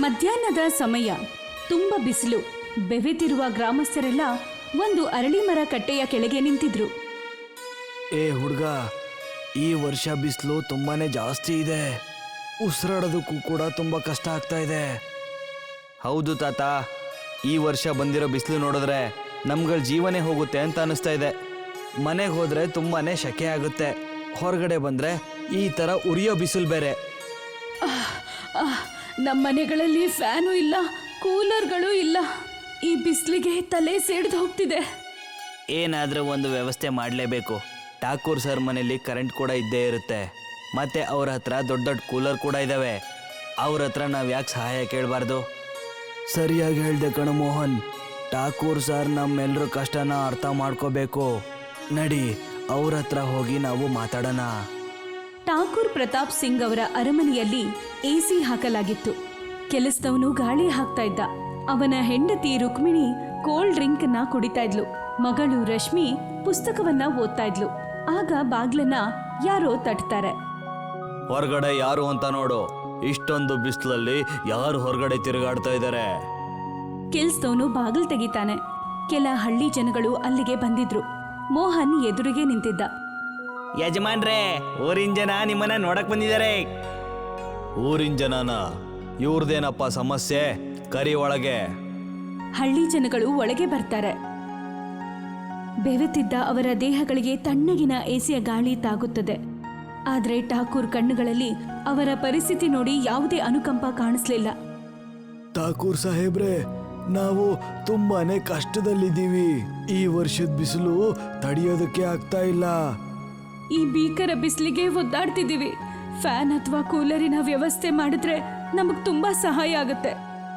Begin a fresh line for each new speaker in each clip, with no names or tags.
ಮಧ್ಯಾಹ್ನದ ಸಮಯ. ತುಂಬ ಬಿಸಿಲು. ಬೆವೆತಿರುವ ಗ್ರಾಮಸ್ಥರೆಲ್ಲ ಒಂದು ಅರಳಿ ಮರ ಕಟ್ಟೆಯ ಕೆಳಗೆ ನಿಂತಿದ್ರು.
ಏ ಹುಡುಗ, ಈ ವರ್ಷ ಬಿಸಿಲು ತುಂಬಾನೇ ಜಾಸ್ತಿ ಇದೆ. ಉಸಿರಾಡೋದಕ್ಕೂ ಕೂಡ ತುಂಬಾ ಕಷ್ಟ ಆಗ್ತಾ ಇದೆ. ಹೌದು ತಾತ, ಈ ವರ್ಷ ಬಂದಿರೋ ಬಿಸಿಲು ನೋಡಿದ್ರೆ ನಮ್ಗಳ ಜೀವನೇ ಹೋಗುತ್ತೆ ಅಂತ ಅನಿಸ್ತಾ ಇದೆ. ಮನೆಗೆ ಹೋದ್ರೆ ತುಂಬಾನೇ ಶೆಕೆ ಆಗುತ್ತೆ, ಹೊರಗಡೆ ಬಂದ್ರೆ ಈ ತರ ಉರಿಯೋ ಬಿಸಿಲು ಬೇರೆ.
ನಮ್ಮ ಮನೆಗಳಲ್ಲಿ ಫ್ಯಾನು ಇಲ್ಲ, ಕೂಲರ್ಗಳು ಇಲ್ಲ. ಈ ಬಿಸಿಲಿಗೆ ತಲೆ ಸೇಡ್ದು ಹೋಗ್ತಿದೆ.
ಏನಾದರೂ ಒಂದು ವ್ಯವಸ್ಥೆ ಮಾಡಲೇಬೇಕು. ಠಾಕೂರ್ ಸರ್ ಮನೇಲಿ ಕರೆಂಟ್ ಕೂಡ ಇದ್ದೇ ಇರುತ್ತೆ, ಮತ್ತೆ ಅವ್ರ ಹತ್ರ ದೊಡ್ಡ ದೊಡ್ಡ ಕೂಲರ್ ಕೂಡ ಇದ್ದಾವೆ. ಅವ್ರ ಹತ್ರ ನಾವು ಯಾಕೆ ಸಹಾಯ ಕೇಳಬಾರ್ದು? ಸರಿಯಾಗಿ ಹೇಳ್ದೆ ಕಣ ಮೋಹನ್. ಠಾಕೂರ್ ಸರ್ ನಮ್ಮೆಲ್ಲರ ಕಷ್ಟನ ಅರ್ಥ ಮಾಡ್ಕೋಬೇಕು. ನಡಿ, ಅವ್ರ ಹತ್ರ ಹೋಗಿ ನಾವು ಮಾತಾಡೋಣ.
ಠಾಕೂರ್ ಪ್ರತಾಪ್ ಸಿಂಗ್ ಅವರ ಅರಮನೆಯಲ್ಲಿ ಎಸಿ ಹಾಕಲಾಗಿತ್ತು. ಕೆಲಸದವನು ಗಾಳಿ ಹಾಕ್ತಾ ಇದ್ದ. ಅವನ ಹೆಂಡತಿ ರುಕ್ಮಿಣಿ ಕೋಲ್ಡ್ ಡ್ರಿಂಕ್ ನ ಕುಡಿತಾ ಇದ್ಲು. ಮಗಳು ರಶ್ಮಿ ಪುಸ್ತಕವನ್ನ ಓದ್ತಾ ಇದ್ಲು. ಆಗ ಬಾಗ್ಲನ್ನ ಯಾರೋ ತಟ್ತಾರೆ.
ಹೊರಗಡೆ ಯಾರು ಅಂತ ನೋಡು. ಇಷ್ಟೊಂದು ಬಿಸಿಲಲ್ಲಿ ಯಾರು ಹೊರಗಡೆ ತಿರುಗಾಡ್ತಾ ಇದ್ದಾರೆ?
ಕೆಲ್ಸದವನು ಬಾಗಿಲು ತೆಗಿತಾನೆ. ಕೆಲ ಹಳ್ಳಿ ಜನಗಳು ಅಲ್ಲಿಗೆ ಬಂದಿದ್ರು. ಮೋಹನ್ ಎದುರಿಗೆ ನಿಂತಿದ್ದ.
ಯಜಮಾನ್ರೇ, ಊರಿನ ಜನ ನಿಮ್ಮನ್ನ ನೋಡಕ್ ಬಂದಿದ್ದಾರೆ. ಊರಿನ ಜನನ? ಇವ್ರದೇನಪ್ಪ ಸಮಸ್ಯೆ? ಕರಿ ಒಳಗೆ.
ಹಳ್ಳಿ ಜನಗಳು ಒಳಗೆ ಬರ್ತಾರೆ. ಬೆವೆತಿದ್ದ ಅವರ ದೇಹಗಳಿಗೆ ತಣ್ಣಗಿನ ಎಸಿಯ ಗಾಳಿ ತಾಗುತ್ತದೆ. ಆದ್ರೆ ಠಾಕೂರ್ ಕಣ್ಣುಗಳಲ್ಲಿ ಅವರ ಪರಿಸ್ಥಿತಿ ನೋಡಿ ಯಾವುದೇ ಅನುಕಂಪ ಕಾಣಿಸ್ಲಿಲ್ಲ.
ಠಾಕೂರ್ ಸಾಹೇಬ್ರೆ, ನಾವು ತುಂಬಾನೇ ಕಷ್ಟದಲ್ಲಿದ್ದೀವಿ. ಈ ವರ್ಷದ ಬಿಸಿಲು ತಡೆಯೋದಕ್ಕೆ ಆಗ್ತಾ ಇಲ್ಲ.
ಈ ಭೀಕರ ಬಿಸಿಲಿಗೆ ಒದ್ದಾಡ್ತಿದ್ದೀವಿ. ಫ್ಯಾನ್ ಅಥವಾ ಕೂಲರಿನ ವ್ಯವಸ್ಥೆ ಮಾಡಿದ್ರೆ ನಮಗ್ ತುಂಬಾ ಸಹಾಯ ಆಗುತ್ತೆ.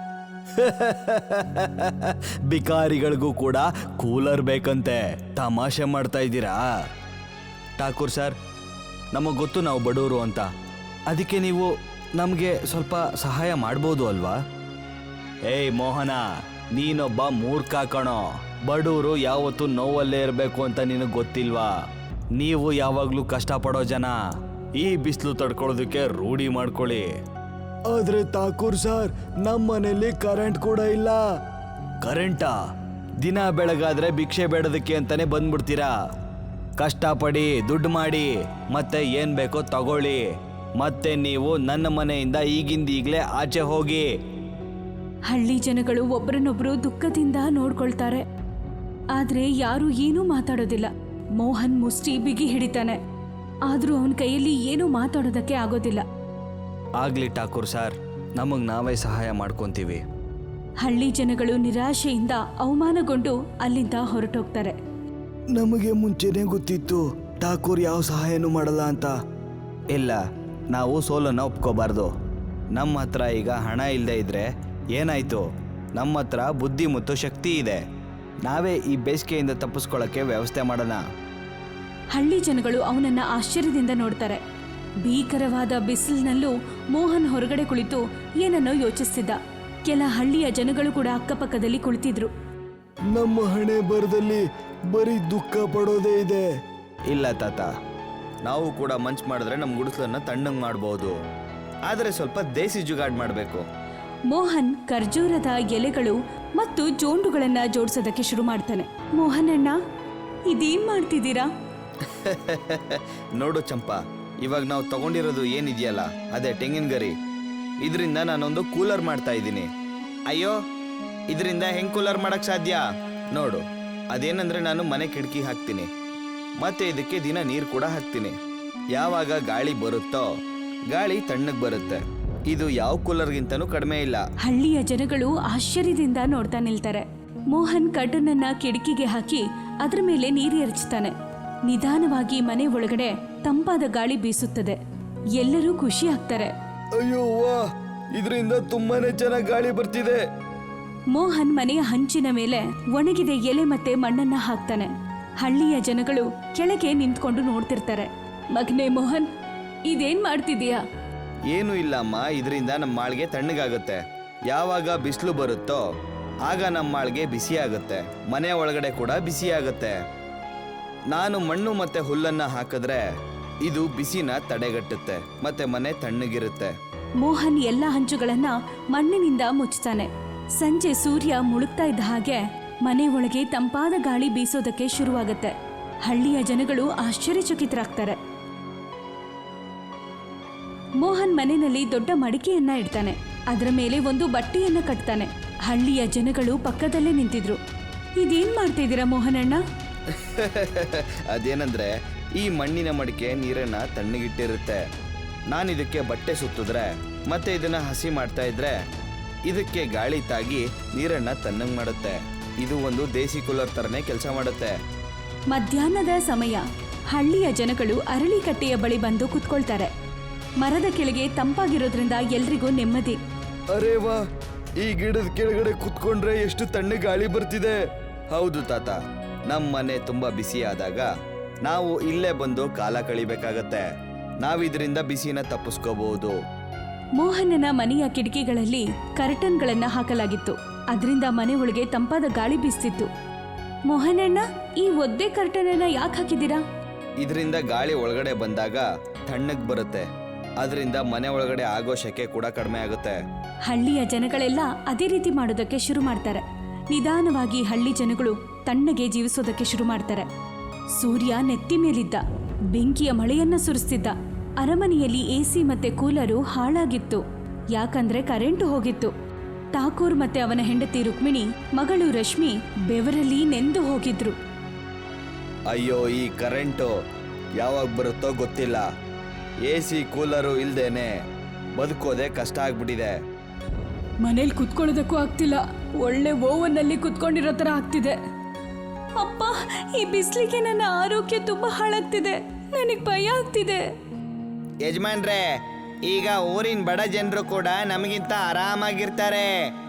ಬಿಕಾರಿಗಳಿಗೂ ಕೂಡ ಕೂಲರ್ ಬೇಕಂತೆ. ತಮಾಷೆ ಮಾಡ್ತಾ ಇದ್ದೀರಾ? ಠಾಕೂರ್ ಸರ್, ನಮಗೆ ಗೊತ್ತು ನಾವು ಬಡವರು ಅಂತ. ಅದಕ್ಕೆ ನೀವು ನಮಗೆ ಸ್ವಲ್ಪ ಸಹಾಯ ಮಾಡ್ಬೋದು ಅಲ್ವಾ? ಏಯ್ ಮೋಹನ, ನೀನೊಬ್ಬ ಮೂರ್ಖ ಕಣೋ. ಬಡವರು ಯಾವತ್ತೂ ನೋವಲ್ಲೇ ಇರಬೇಕು ಅಂತ ನಿನಗೆ ಗೊತ್ತಿಲ್ವಾ? ನೀವು ಯಾವಾಗಲೂ ಕಷ್ಟಪಡೋ ಜನ. ಈ ಬಿಸಿಲು ತಡ್ಕೊಳ್ಳೋದಕ್ಕೆ ರೂಢಿ ಮಾಡ್ಕೊಳ್ಳಿ. ಆದ್ರೆ ಠಾಕೂರ್ ಸರ್, ನಮ್ಮ ಮನೇಲಿ ಕರೆಂಟ್ ಕೂಡ ಇಲ್ಲ. ಕರೆಂಟಾ? ದಿನ ಬೆಳಗಾದ್ರೆ ಭಿಕ್ಷೆ ಬೇಡೋದಕ್ಕೆ ಅಂತಾನೆ ಬಂದ್ಬಿಡ್ತೀರಾ? ಕಷ್ಟಪಡಿ, ದುಡ್ಡು ಮಾಡಿ, ಮತ್ತೆ ಏನ್ ಬೇಕೋ ತಗೊಳ್ಳಿ. ಮತ್ತೆ ನೀವು ನನ್ನ ಮನೆಯಿಂದ ಈಗಿಂದೀಗ್ಲೇ ಆಚೆ ಹೋಗಿ.
ಹಳ್ಳಿ ಜನಗಳು ಒಬ್ಬರನ್ನೊಬ್ರು ದುಃಖದಿಂದ ನೋಡ್ಕೊಳ್ತಾರೆ. ಆದ್ರೆ ಯಾರು ಏನೂ ಮಾತಾಡೋದಿಲ್ಲ. ಮೋಹನ್ ಮುಷ್ಟಿ ಬಿಗಿ ಹಿಡಿತಾನೆ. ಆದ್ರೂ ಅವನ ಕೈಯಲ್ಲಿ ಏನೂ ಮಾತಾಡೋದಕ್ಕೆ ಆಗೋದಿಲ್ಲ.
ಆಗ್ಲಿ ಠಾಕೂರ್ ಸರ್, ನಮಗ್ ನಾವೇ ಸಹಾಯ ಮಾಡ್ಕೊಂತೀವಿ.
ಹಳ್ಳಿ ಜನಗಳು ನಿರಾಶೆಯಿಂದ ಅವಮಾನಗೊಂಡು ಅಲ್ಲಿಂದ ಹೊರಟೋಗ್ತಾರೆ.
ನಮಗೆ ಮುಂಚೆನೇ ಗೊತ್ತಿತ್ತು ಠಾಕೂರ್ ಯಾವ ಸಹಾಯನೂ ಮಾಡಲ್ಲ ಅಂತ. ಇಲ್ಲ, ನಾವು ಸೋಲನ್ನು ಒಪ್ಕೋಬಾರ್ದು. ನಮ್ಮ ಹತ್ರ ಈಗ ಹಣ ಇಲ್ಲದೆ ಇದ್ರೆ ಏನಾಯ್ತು? ನಮ್ಮ ಹತ್ರ ಬುದ್ಧಿ ಮತ್ತು ಶಕ್ತಿ ಇದೆ. ನಾವೇ ಈ ಬೇಸಿಗೆಯಿಂದ ತಪ್ಪಿಸ್ಕೊಳ್ಳೋಕ್ಕೆ ವ್ಯವಸ್ಥೆ ಮಾಡೋಣ.
ಹಳ್ಳಿ ಜನಗಳು ಅವನನ್ನ ಆಶ್ಚರ್ಯದಿಂದ ನೋಡ್ತಾರೆ. ಭೀಕರವಾದ ಬಿಸಿಲಿನಲ್ಲೂ ಮೋಹನ್ ಹೊರಗಡೆ ಕುಳಿತು ಏನನ್ನೋ ಯೋಚಿಸ್ತಿದ್ದ. ಕೆಲ ಹಳ್ಳಿಯ ಜನಗಳು ಕೂಡ ಅಕ್ಕಪಕ್ಕದಲ್ಲಿ ಕುಳಿತಿದ್ರು.
ನಮ್ಮ ಹಣೆ ಬರದಲ್ಲಿ ಬರೀ ದುಃಖ ಪಡೋದೇ ಇದೆ. ಇಲ್ಲ ತಾತ, ನಾವು ಕೂಡ ಮಂಚ್ ಮಾಡಿದ್ರೆ ನಮ್ಮ ಗುಡಿಸಲನ್ನ ತಣ್ಣಂಗ್ ಮಾಡಬಹುದು. ಆದರೆ ಸ್ವಲ್ಪ ದೇಸಿ ಜುಗಾಡ್ ಮಾಡಬೇಕು.
ಮೋಹನ್ ಖರ್ಜೂರದ ಎಲೆಗಳು ಮತ್ತು ಜೋಂಡುಗಳನ್ನ ಜೋಡಿಸೋದಕ್ಕೆ ಶುರು ಮಾಡ್ತಾನೆ. ಮೋಹನ್ ಅಣ್ಣ, ಇದೇನ್ ಮಾಡ್ತಿದ್ದೀರಾ?
ನೋಡು ಚಂಪಾ, ಇವಾಗ ನಾವು ತಗೊಂಡಿರೋದು ಏನಿದೆಯಲ್ಲ, ಅದೇ ತೆಂಗಿನ ಗರಿ. ಇದರಿಂದ ನಾನೊಂದು ಕೂಲರ್ ಮಾಡ್ತಾ ಇದ್ದೀನಿ. ಅಯ್ಯೋ, ಇದರಿಂದ ಹೆಂಗ್ ಕೂಲರ್ ಮಾಡಕ್ ಸಾಧ್ಯ? ನೋಡು, ಅದೇನಂದ್ರೆ ನಾನು ಮನೆ ಕಿಟಕಿ ಹಾಕ್ತೀನಿ, ಮತ್ತೆ ಇದಕ್ಕೆ ದಿನ ನೀರು ಕೂಡ ಹಾಕ್ತೀನಿ. ಯಾವಾಗ ಗಾಳಿ ಬರುತ್ತೋ ಗಾಳಿ ತಣ್ಣಗ್ ಬರುತ್ತೆ. ಇದು ಯಾವ ಕೂಲರ್ಗಿಂತನೂ ಕಡಿಮೆ ಇಲ್ಲ.
ಹಳ್ಳಿಯ ಜನಗಳು ಆಶ್ಚರ್ಯದಿಂದ ನೋಡ್ತಾ ನಿಲ್ತಾರೆ. ಮೋಹನ್ ಕಡ್ಡನನ್ನ ಕಿಟಕಿಗೆ ಹಾಕಿ ಅದ್ರ ಮೇಲೆ ನೀರು ಎರಚ್ತಾನೆ. ನಿಧಾನವಾಗಿ ಮನೆ ಒಳಗಡೆ ತಂಪಾದ ಗಾಳಿ ಬೀಸುತ್ತದೆ. ಎಲ್ಲರೂ ಖುಷಿ ಆಗ್ತಾರೆ.
ಅಯ್ಯೋ ವಾ, ಇದರಿಂದ ತುಂಬಾನೇ ಚೆನ್ನಾಗಿ ಗಾಳಿ ಬರ್ತಿದೆ.
ಮೋಹನ್ ಮನೆಯ ಹಂಚಿನ ಮೇಲೆ ಒಣಗಿದ ಎಲೆ ಮತ್ತೆ ಮಣ್ಣನ್ನ ಹಾಕ್ತಾನೆ. ಹಳ್ಳಿಯ ಜನಗಳು ಕೆಳಗೆ ನಿಂತ್ಕೊಂಡು ನೋಡ್ತಿರ್ತಾರೆ. ಮಗನೇ ಮೋಹನ್, ಇದೇನ್ ಮಾಡ್ತಿದೀಯಾ?
ಏನು ಇಲ್ಲ ಅಮ್ಮ, ಇದರಿಂದ ನಮ್ಮ ಮಾಳ್ಗೆ ತಣ್ಣಗಾಗುತ್ತೆ. ಯಾವಾಗ ಬಿಸಿಲು ಬರುತ್ತೋ ಆಗ ನಮ್ಮ ಮಾಳ್ಗೆ ಬಿಸಿ ಆಗುತ್ತೆ, ಮನೆ ಒಳಗಡೆ ಕೂಡ ಬಿಸಿ ಆಗುತ್ತೆ. ನಾನು ಮಣ್ಣು ಮತ್ತೆ ಹುಲ್ಲನ್ನ ಹಾಕಿದ್ರೆ ಇದು ಬಿಸಿನ ತಡೆಗಟ್ಟುತ್ತೆ ಮತ್ತೆ ಮನೆ ತಣ್ಣಗಿರುತ್ತೆ.
ಮೋಹನ್ ಎಲ್ಲ ಹಂಚುಗಳನ್ನ ಮಣ್ಣಿನಿಂದ ಮುಚ್ಚುತ್ತಾನೆ. ಸಂಜೆ ಸೂರ್ಯ ಮುಳುಗ್ತಾ ಇದ್ದ ಹಾಗೆ ಮನೆ ಒಳಗೆ ತಂಪಾದ ಗಾಳಿ ಬೀಸೋದಕ್ಕೆ ಶುರುವಾಗತ್ತೆ. ಹಳ್ಳಿಯ ಜನಗಳು ಆಶ್ಚರ್ಯಚಕಿತರಾಗ್ತಾರೆ. ಮೋಹನ್ ಮನೆಯಲ್ಲಿ ದೊಡ್ಡ ಮಡಿಕೆಯನ್ನ ಇಡ್ತಾನೆ. ಅದರ ಮೇಲೆ ಒಂದು ಬಟ್ಟೆಯನ್ನ ಕಟ್ತಾನೆ. ಹಳ್ಳಿಯ ಜನಗಳು ಪಕ್ಕದಲ್ಲೇ ನಿಂತಿದ್ರು. ಇದೇನ್ ಮಾಡ್ತಿದ್ದೀರಾ ಮೋಹನಣ್ಣ?
ಅದೇನಂದ್ರೆ ಈ ಮಣ್ಣಿನ ಮಡಿಕೆ ನೀರನ್ನ ತಣ್ಣಗಿಟ್ಟಿರುತ್ತೆ. ನಾನು ಇದಕ್ಕೆ ಬಟ್ಟೆ ಸುತ್ತಿದ್ರೆ ಮತ್ತೆ ಇದನ್ನ ಹಸಿ ಮಾಡ್ತಾ ಇದ್ರೆ ಇದಕ್ಕೆ ಗಾಳಿ ತಾಗಿ ನೀರನ್ನ ತಣ್ಣಗೆ ಮಾಡುತ್ತೆ. ಇದು ಒಂದು ದೇಸಿ ಕೂಲರ್ ತರನೇ ಕೆಲಸ ಮಾಡುತ್ತೆ.
ಮಧ್ಯಾಹ್ನದ ಸಮಯ ಹಳ್ಳಿಯ ಜನಗಳು ಅರಳಿಕಟ್ಟೆಯ ಬಳಿ ಬಂದು ಕುತ್ಕೊಳ್ತಾರೆ. ಮರದ ಕೆಳಗೆ ತಂಪಾಗಿರೋದ್ರಿಂದ ಎಲ್ರಿಗೂ ನೆಮ್ಮದಿ.
ಅರೇ ವಾ, ಈ ಗಿಡದ ಕೆಳಗಡೆ ಕುತ್ಕೊಂಡ್ರೆ ಎಷ್ಟು ತಣ್ಣಗೆ ಗಾಳಿ ಬರ್ತಿದೆ. ಹೌದು ತಾತ, ನಮ್ಮ ಮನೆ ತುಂಬಾ ಬಿಸಿ ಆದಾಗ ನಾವು ಇಲ್ಲೇ ಬಂದು ಕಾಲ ಕಳಿಬೇಕಾಗತ್ತೆ. ನಾವಿದ್ರಿಂದ ಬಿಸಿನ ತಪ್ಪಿಸ್ಕೋಬಹುದು.
ಮೋಹನನ ಮನೆಯ ಕಿಟಕಿಗಳಲ್ಲಿ ಕರ್ಟನ್ಗಳನ್ನ ಹಾಕಲಾಗಿತ್ತು. ಅದರಿಂದ ಮನೆ ಒಳಗೆ ತಂಪಾದ ಗಾಳಿ ಬೀಸ್ತಿತ್ತು. ಮೋಹನಣ್ಣ, ಈ ಒದ್ದೆ ಕರ್ಟನ್ ಯಾಕೆ ಹಾಕಿದ್ದೀರಾ?
ಇದರಿಂದ ಗಾಳಿ ಒಳಗಡೆ ಬಂದಾಗ ತಣ್ಣಗ್ ಬರುತ್ತೆ. ಅದರಿಂದ ಮನೆ ಒಳಗಡೆ ಆಗೋ ಶೆಕೆ ಕೂಡ ಕಡಿಮೆ ಆಗುತ್ತೆ.
ಹಳ್ಳಿಯ ಜನಗಳೆಲ್ಲ ಅದೇ ರೀತಿ ಮಾಡೋದಕ್ಕೆ ಶುರು ಮಾಡ್ತಾರೆ. ನಿಧಾನವಾಗಿ ಹಳ್ಳಿ ಜನಗಳು ತಣ್ಣಗೆ ಜೀವಿಸೋದಕ್ಕೆ ಶುರು ಮಾಡ್ತಾರೆ. ಸೂರ್ಯ ನೆತ್ತಿ ಮೇಲಿದ್ದ. ಬೆಂಕಿಯ ಮಳೆಯನ್ನ ಸುರಿಸ್ತಿದ್ದ. ಅರಮನೆಯಲ್ಲಿ ಎಸಿ ಮತ್ತೆ ಕೂಲರು ಹಾಳಾಗಿತ್ತು. ಯಾಕಂದ್ರೆ ಕರೆಂಟು ಹೋಗಿತ್ತು. ಠಾಕೂರ್ ಮತ್ತೆ ಅವನ ಹೆಂಡತಿ ರುಕ್ಮಿಣಿ, ಮಗಳು ರಶ್ಮಿ ಬೆವರಲ್ಲಿ ನೆಂದು ಹೋಗಿದ್ರು.
ಅಯ್ಯೋ, ಈ ಕರೆಂಟು ಯಾವಾಗ ಬರುತ್ತೋ ಗೊತ್ತಿಲ್ಲ. ಎಸಿ ಕೂಲರು ಇಲ್ದೇನೆ ಬದುಕೋದೆ ಕಷ್ಟ ಆಗ್ಬಿಟ್ಟಿದೆ.
ಮನೇಲಿ ಕುತ್ಕೊಳ್ಳೋದಕ್ಕೂ ಆಗ್ತಿಲ್ಲ. ಒಳ್ಳೆ ಓವನ್ನಲ್ಲಿ ಕುತ್ಕೊಂಡಿರೋ ತರ ಆಗ್ತಿದೆ. ಅಪ್ಪ, ಈ ಬಿಸಿಲಿಗೆ ನನ್ನ ಆರೋಗ್ಯ ತುಂಬಾ ಹಾಳಾಗ್ತಿದೆ. ನನಗೆ ಭಯ ಆಗ್ತಿದೆ.
ಯಜಮಾನ್ರೆ, ಈಗ ಊರಿನ ಬಡ ಜನರು ಕೂಡ ನಮಗಿಂತ ಆರಾಮಾಗಿರ್ತಾರೆ.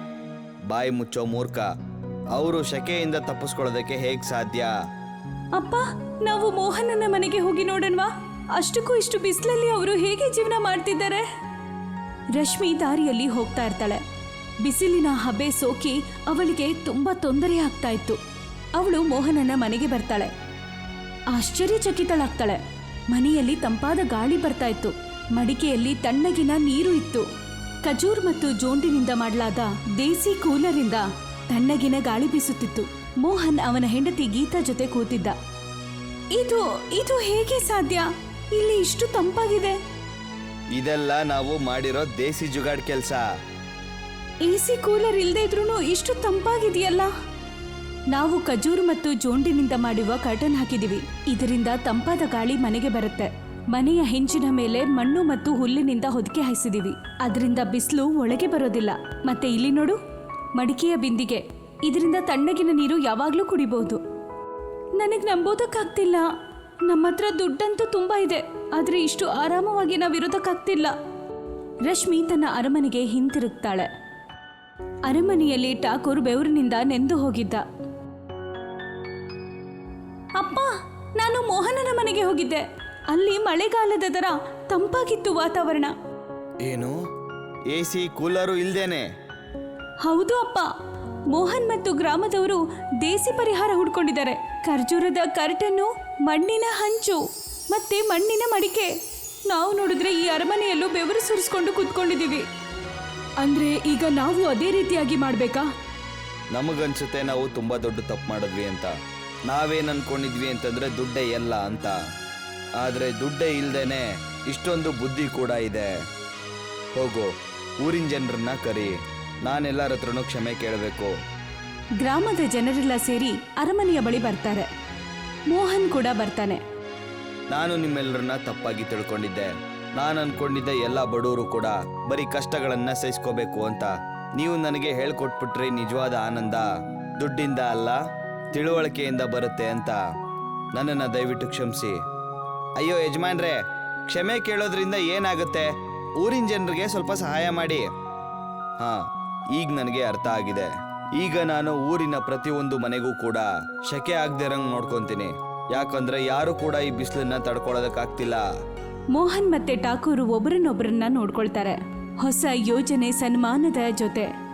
ಬಾಯಿ ಮುಚ್ಚೋ ಮೂರ್ಖ. ಅವರು ಶೆಕೆಯಿಂದ ತಪ್ಪಿಸ್ಕೊಳ್ಳೋದಕ್ಕೆ ಹೇಗ್ ಸಾಧ್ಯ?
ಅಪ್ಪ, ನಾವು ಮೋಹನನ ಮನೆಗೆ ಹೋಗಿ ನೋಡೋಣವಾ? ಅಷ್ಟಕ್ಕೂ ಇಷ್ಟು ಬಿಸಿಲಲ್ಲಿ ಅವರು ಹೇಗೆ ಜೀವನ ಮಾಡ್ತಿದ್ದಾರೆ? ರಶ್ಮಿ ದಾರಿಯಲ್ಲಿ ಹೋಗ್ತಾ ಇರ್ತಾಳೆ. ಬಿಸಿಲಿನ ಹಬೆ ಸೋಕಿ ಅವಳಿಗೆ ತುಂಬಾ ತೊಂದರೆ ಆಗ್ತಾ ಇತ್ತು. ಅವಳು ಮೋಹನನ ಮನೆಗೆ ಬರ್ತಾಳೆ. ಆಶ್ಚರ್ಯಚಕಿತಳಾಗ್ತಾಳೆ. ಮನೆಯಲ್ಲಿ ತಂಪಾದ ಗಾಳಿ ಬರ್ತಾ ಇತ್ತು. ಮಡಿಕೆಯಲ್ಲಿ ತಣ್ಣಗಿನ ನೀರು ಇತ್ತು. ಖಜೂರ್ ಮತ್ತು ಜೋಂಡಿನಿಂದ ಮಾಡಲಾದ ದೇಸಿ ಕೂಲರಿಂದ ತಣ್ಣಗಿನ ಗಾಳಿ ಬೀಸುತ್ತಿತ್ತು. ಮೋಹನ್ ಅವನ ಹೆಂಡತಿ ಗೀತಾ ಜೊತೆ ಕೂತಿದ್ದ. ಇದು ಹೇಗೆ ಸಾಧ್ಯ? ಇಲ್ಲಿ ಇಷ್ಟು ತಂಪಾಗಿದೆ.
ಇದೆಲ್ಲ ನಾವು ಮಾಡಿರೋ ದೇಸಿ ಜುಗಾಡ್ ಕೆಲಸ.
ಎಸಿ ಕೂಲರ್ ಇಲ್ಲದೆ ಇದ್ರೂ ಇಷ್ಟು ತಂಪಾಗಿದೆಯಲ್ಲ. ನಾವು ಖಜೂರ್ ಮತ್ತು ಜೋಂಡಿನಿಂದ ಮಾಡುವ ಕರ್ಟನ್ ಹಾಕಿದೀವಿ. ಇದರಿಂದ ತಂಪಾದ ಗಾಳಿ ಮನೆಗೆ ಬರುತ್ತೆ. ಮನೆಯ ಹೆಂಚಿನ ಮೇಲೆ ಮಣ್ಣು ಮತ್ತು ಹುಲ್ಲಿನಿಂದ ಹೊದಿಕೆ ಹಾಯಿಸಿದೀವಿ. ಅದರಿಂದ ಬಿಸಿಲು ಒಳಗೆ ಬರೋದಿಲ್ಲ. ಮತ್ತೆ ಇಲ್ಲಿ ನೋಡು, ಮಡಿಕೆಯ ಬಿಂದಿಗೆ. ಇದರಿಂದ ತಣ್ಣಗಿನ ನೀರು ಯಾವಾಗ್ಲೂ ಕುಡಿಬಹುದು. ನನಗೆ ನಂಬೋದಕ್ಕಾಗ್ತಿಲ್ಲ. ನಮ್ಮ ಹತ್ರ ದುಡ್ಡಂತೂ ತುಂಬಾ ಇದೆ, ಆದ್ರೆ ಇಷ್ಟು ಆರಾಮವಾಗಿ ನಾವಿರೋದಕ್ಕಾಗ್ತಿಲ್ಲ. ರಶ್ಮಿ ತನ್ನ ಅರಮನೆಗೆ ಹಿಂತಿರುಗ್ತಾಳೆ. ಅರಮನೆಯಲ್ಲಿ ಠಾಕೂರ್ ಬೆವರಿನಿಂದ ನೆಂದು ಹೋಗಿದ್ದ. ಅಪ್ಪ, ನಾನು ಮೋಹನನ ಮನೆಗೆ ಹೋಗಿದ್ದೆ. ಅಲ್ಲಿ ಮಳೆಗಾಲದ ತರ ತಂಪಾಗಿತ್ತು ವಾತಾವರಣ.
ಏನು, ಎಸಿ ಕೂಲರು ಇಲ್ದೇನೆ?
ಹೌದು ಅಪ್ಪ. ಮೋಹನ್ ಮತ್ತು ಗ್ರಾಮದವರು ದೇಸಿ ಪರಿಹಾರ ಹುಡ್ಕೊಂಡಿದ್ದಾರೆ. ಖರ್ಜೂರದ ಕರ್ಟನ್ನು, ಮಣ್ಣಿನ ಹಂಚು ಮತ್ತೆ ಮಣ್ಣಿನ ಮಡಿಕೆ. ನಾವು ನೋಡಿದ್ರೆ ಈ ಅರಮನೆಯಲ್ಲೂ ಬೆವರು ಸುರಿಸ್ಕೊಂಡು ಕೂತ್ಕೊಂಡಿದ್ದೀವಿ. ಅಂದ್ರೆ ಈಗ ನಾವು ಅದೇ ರೀತಿಯಾಗಿ ಮಾಡ್ಬೇಕಾ?
ನಮಗನ್ಸುತ್ತೆ ನಾವು ತುಂಬಾ ದೊಡ್ಡ ತಪ್ಪು ಮಾಡಿದ್ವಿ ಅಂತ. ನಾವೇನ್ ಅನ್ಕೊಂಡಿದ್ವಿ ಅಂತಂದ್ರೆ ದುಡ್ಡೇ ಎಲ್ಲ ಅಂತ. ಆದ್ರೆ ದುಡ್ಡೇ ಇಲ್ದೇನೆ ಇಷ್ಟೊಂದು ಬುದ್ಧಿ ಕೂಡ ಇದೆ. ಹೋಗು, ಊರಿನ ಜನರನ್ನ ಕರಿ. ನಾನೆಲ್ಲರ ಹತ್ರನೂ ಕ್ಷಮೆ ಕೇಳಬೇಕು.
ಗ್ರಾಮದ ಜನರೆಲ್ಲ ಸೇರಿ ಅರಮನೆಯ ಬಳಿ ಬರ್ತಾರೆ. ಮೋಹನ್ ಕೂಡ ಬರ್ತಾನೆ.
ನಾನು ನಿಮ್ಮೆಲ್ಲರನ್ನ ತಪ್ಪಾಗಿ ತಿಳ್ಕೊಂಡಿದ್ದೆ. ನಾನು ಅನ್ಕೊಂಡಿದ್ದೆ ಎಲ್ಲ ಬಡವರು ಕೂಡ ಬರೀ ಕಷ್ಟಗಳನ್ನ ಸಹಿಸ್ಕೋಬೇಕು ಅಂತ. ನೀವು ನನಗೆ ಹೇಳ್ಕೊಟ್ಬಿಟ್ರಿ ನಿಜವಾದ ಆನಂದ ದುಡ್ಡಿಂದ ಅಲ್ಲ, ತಿಳುವಳಿಕೆಯಿಂದ ಬರುತ್ತೆ ಅಂತ. ನನ್ನನ್ನು ದಯವಿಟ್ಟು ಕ್ಷಮಿಸಿ. ಅಯ್ಯೋ ಯಜಮಾನ್ರೆ, ಕ್ಷಮೆ ಕೇಳೋದ್ರಿಂದ ಏನಾಗುತ್ತೆ? ಊರಿನ ಜನರಿಗೆ ಸ್ವಲ್ಪ ಸಹಾಯ ಮಾಡಿ. ಹಾ, ಈಗ ನನಗೆ ಅರ್ಥ ಆಗಿದೆ. ಈಗ ನಾನು ಊರಿನ ಪ್ರತಿಯೊಂದು ಮನೆಗೂ ಕೂಡ ಶೆಕೆ ಆಗದಿರಂಗ್ ನೋಡ್ಕೊಂತೀನಿ. ಯಾಕಂದ್ರೆ ಯಾರು ಕೂಡ ಈ ಬಿಸಿಲನ್ನ ತಡ್ಕೊಳ್ಳೋದಕ್ಕಾಗ್ತಿಲ್ಲ.
ಮೋಹನ್ ಮತ್ತೆ ಠಾಕೂರ್ ಒಬ್ಬರನ್ನೊಬ್ಬರನ್ನ ನೋಡ್ಕೊಳ್ತಾರೆ. ಹೊಸ ಯೋಜನೆ ಸನ್ಮಾನದ ಜೊತೆ